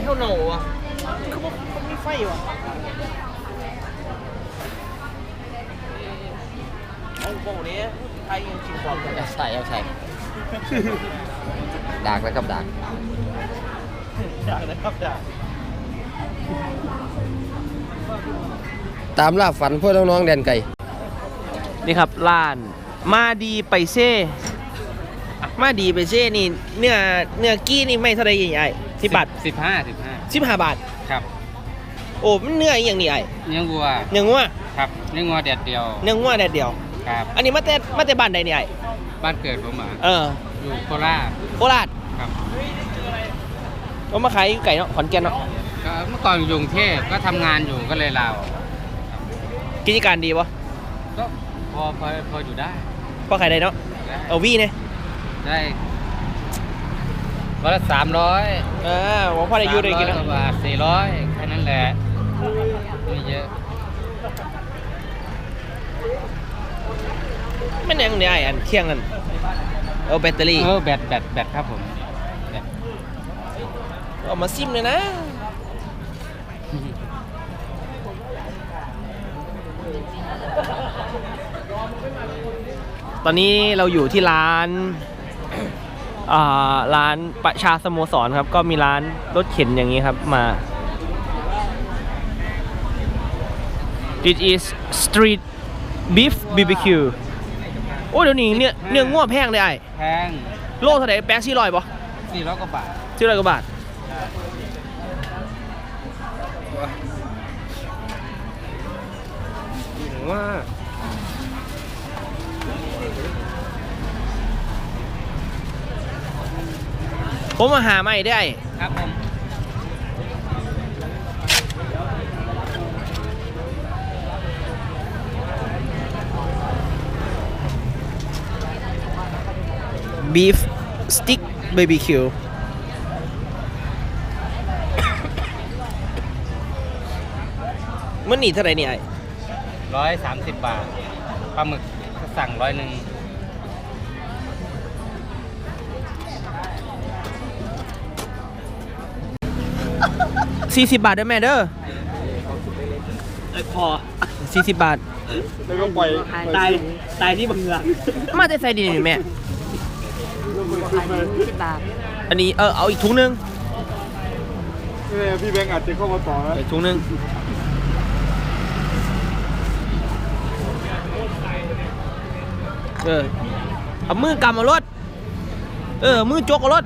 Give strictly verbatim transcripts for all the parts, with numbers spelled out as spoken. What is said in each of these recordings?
เท่าโหนอ่ะเขาบอกเขาไม่ไฟว่ะเอาโบนี้ไทยยังชิมความกันใช่เอาใช่ดากแล้วครับดากอยากนะครับอยากตามล่าฝันพวกน้องๆแดนไก่นี่ครับร้านมาดีไปเซ่มาดีไปเซ่นี่เนื้อเนื้อกี้นี่ไม่เท่าไรใหญ่ๆสิบบาทสิบห้าสิบห้าสิบห้าบาทครับโอ้มันเนื้ออย่างนี้ไอ้เนื้อวัวเนื้องัวครับเนื้อวัวแดดเดียวเนื้องัวแดดเดียวครับอันนี้มาแต่มาแต่บ้านใดเนี่ยไอ้บ้านเกิดผมอ่ะเอออยู่โคราชโคราชครับก็มาขายอยู่ไก่เนาะขอนแก่นเนาะก็เมื่อก่อนอยู่กรุงเทพก็ทำงานอยู่ก็เลยลาออกกิจการดีปะก็พอพอพออยู่ได้พอขายได้เนาะได้เอาวีเนี่ยได้วันละสามร้อยเออว่าพอได้อยู่ได้กินกเนาะว่าบาทสี่ร้อยแค่นั้นแหละไม่เยอะไม่แน่งเนี่ยไอ้อันเที่ยงกันเอาแบตเตอรี่เออแบตแบตแบตครับผมแบตเอามาซิมเลยนะตอนนี้เราอยู่ที่ร้านอ่าร้านประชาสโมสรครับก็มีร้านรถเข็นอย่างนี้ครับมา This is street beef บี บี คิว โอ้เดี๋ยวนี้เนื้อเนื้อง่วแพงเลยไอ้แพงโลเท่าไหร่แปดสี่ร้อยป่ะสี่ร้อยกว่าบาทสี่ร้อยกว่าบาทว่าผมมาหาใหม่ได้ครับผม beef stick บี บี คิว มันหนีเท่าไหร่เนี่ยไอ้ร้อยสามสิบบาทปลาหมึกก็สั่งร้อยหนึ่งสี่สิบบาทเด้อแม่เด้อพอสี่สิบบาทแล้วก็ปล่อยตายตายที่บังเงือมาจะใส่ดีนี่แม่สิบบาทอันนี้เออเอาอีกถุงนึงพี่แบงค์อาจจะเข้ามาต่อนะอีกถุงนึงเออเอามือกำเอารถเออมือจกเอารถ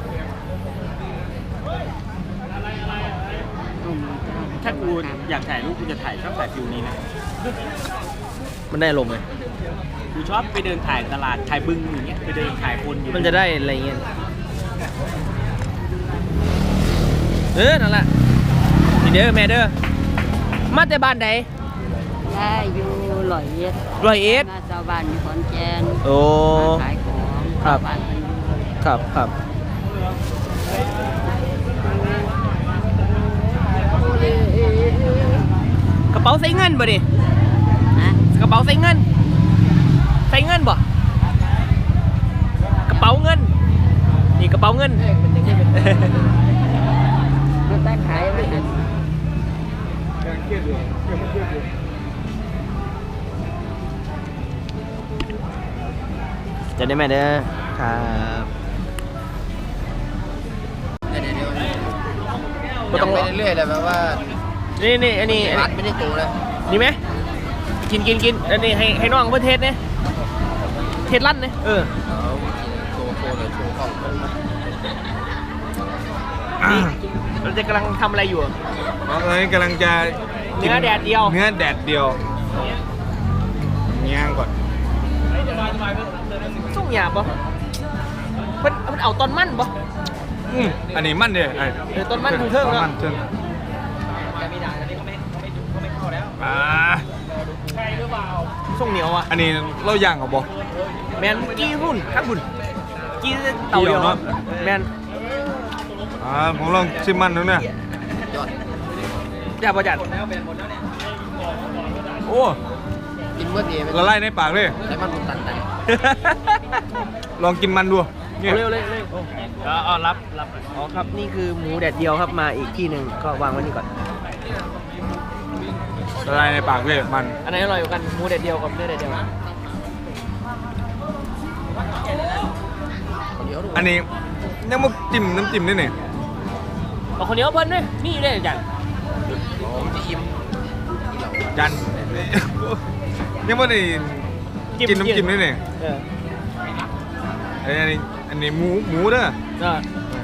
ถ้ากูอยากถ่ายรูปกูจะถ่ายชอบถ่ายฟิวนี้นะมันได้ลงไหมกูชอบไปเดินถ่ายตลาดถ่ายบึงอย่างเงี้ยไปเดินถ่ายคนอยู่มันจะได้อะไรเงี้ยเออนั่นแหละนี่เด้อแม่เด้อมาแต่บ้านใดได้อยู่ร้อยเอ็ดร้อยเอ็ดมาชาวบ้านอยู่ขอนแก่นโอ้มาขายของครับชาวบ้านกันอยู่ครับครับกระเป๋าใส่เงินบ่ดินะกระเป๋าใส่เงินใส่เงินบ่กระเป๋าเงินนี่กระเป๋าเงินมันได้ขายไหมฮะยังเครียดอยู่ยังเครียดอยู่จะได้ไหมเด้อครับเดี๋ยวๆยังไปเรื่อยๆเลยแบบว่านี่นี่อันนี้อันรันี้ดไม่ได้โตเลยนี่ไหมกินกินกินอันนี้ให้ให้น้องเพื่อเทสเนี่ยเทสลั่นเนี่ยเออเอาโชว์โชว์เลยโชว์กล้องนี่เราจะกำลังทำอะไรอยู่อะตอนนี้กำลังจะเนื้อแดดเดียวเนื้อแดดเดียวย่างก่อนส่งหยาบปะมันมันเอาต้นมันปะอืมอันนี้มันเด้อไอ้เออต้นมันเทิงๆต้นเนาะมันเทิงอ่าส่งเหนียวอ่ะอันนี้เราย่างกับบ่แมนกี้หุ่นข้างหุ่นกี้เต่าเดียวเกี่ยวเนอะแมนอ่าผมลองชิมมันดูเนี่ยยอดจับประจัดโอ้กินเมื่อดีละลายในปากเลยใช้มันบุญตันไหนลองกินมันดูมเร็วเร็วเร็วเอาเอารับรับอ๋อครับนี่คือหมูแดดเดียวครับมาอีกที่หนึ่งก็วางไว้นี่ก่อนละลายในปากเลยมันอันไหนอร่อยกว่ากันหมูแดดเดียวกับเนื้อแดดเดียวอันนี้ยังมาจิ้มน้ำจิ้มด้วยเนี่ยเอาคนเดียวเพิ่นด้วยมีอยู่ด้วยจังจันยังไม่ได้กินน้ำจิ้มด้วยเนี่ยเอออันนี้อันนี้หมูหมูเด้อเออ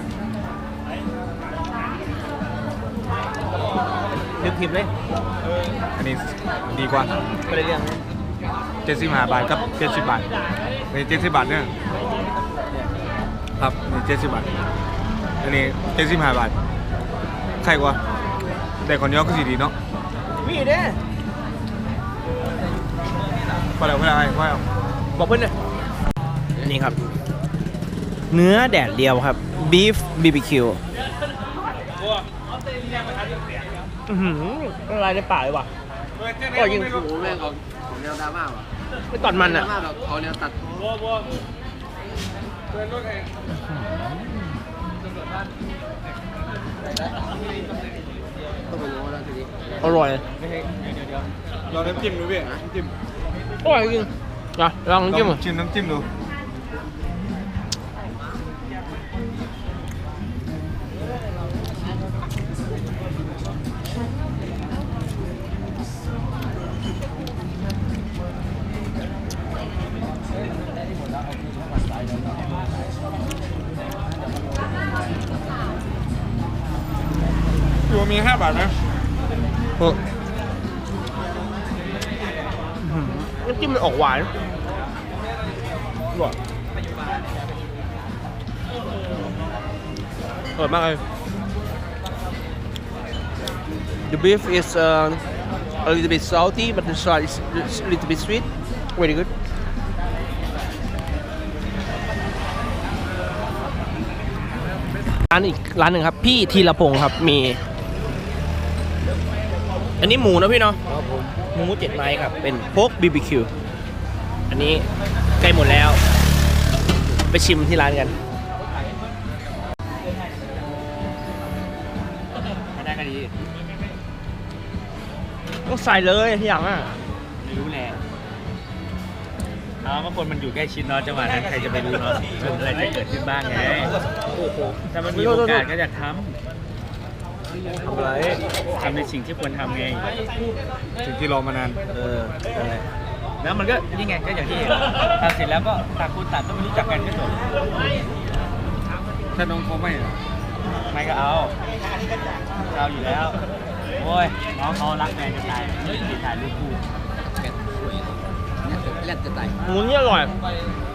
นึกผิดเลยอันนี้ดีกว่าไม่ได้เรื่องเจ็ดสิบห้าบาทกับเจ็ดสิบบาทนี่เจ็ดสิบบาทเนี่ยครับนี่เจ็ดสิบบาทอันนี้เจ็ดสิบห้าบาทใครกว่าแต่คนเดียวก็สีดีเนาะมีอยู่เด้พอแล้วพอแล้วไอ้พอแล้วบอกเพื่อนเลยนี่ครับ เนื้อแดดเดียวครับ beef บี บี คิว อือหือละลายในปากเลยว่ะก็ยิงหมูแม่งของของแนวดราม่าว่ะไม่ตอนมันอ่ะดราม่าแบบเขาแนวตัดต้องไปรู้แล้วทีนี้อร่อยลองน้ำจิ้มดูพี่น้ำจิ้มอร่อยจริงนะลองจิ้มลองชิมน้ำจิ้มดู อยู่มีห้าบาทไหมน้ำจิ้มมันออกหวานอร่อยอร่อยมากเลย The beef is uh, a little bit salty but the salt is a little bit sweet very good ร้านอีกร้านหนึ่งครับพี่ธีรพงศ์ครับมี อันนี้หมูนะพี่เนาะหมูเจ็ดไม้ครับเป็นโพก บี บี คิว อันนี้ใกล้หมดแล้ว ไปชิมที่ร้านกันไม่ได้ก็ดีต้องใส่เลยที่อย่างอ่ะไม่รู้แหละเอาบางคนมันอยู่ใกล้ชิดเนาะจังหวะนั้นใครจะไปรู้เนาะอะไรจะเกิดขึ้นบ้างไงถ้ามันมีโอกาสก็จะทำทำอะไรทำในสิ่งที่ควรทำไงสิ่งที่รอมานานเอออะไรแล้วมันก็นี่ไงก็อย่างที่ทำเสร็จแล้วก็ต่างคนต่างก็ไม่รู้จักกันก็จบถ้าน้องเขาไม่อะไม่ก็เอาเอาอยู่แล้วโอ้ยน้องเขารักแฟนจะตายไม่ติดถ่ายรูปคู่แลกจะตายหมูนี่อร่อย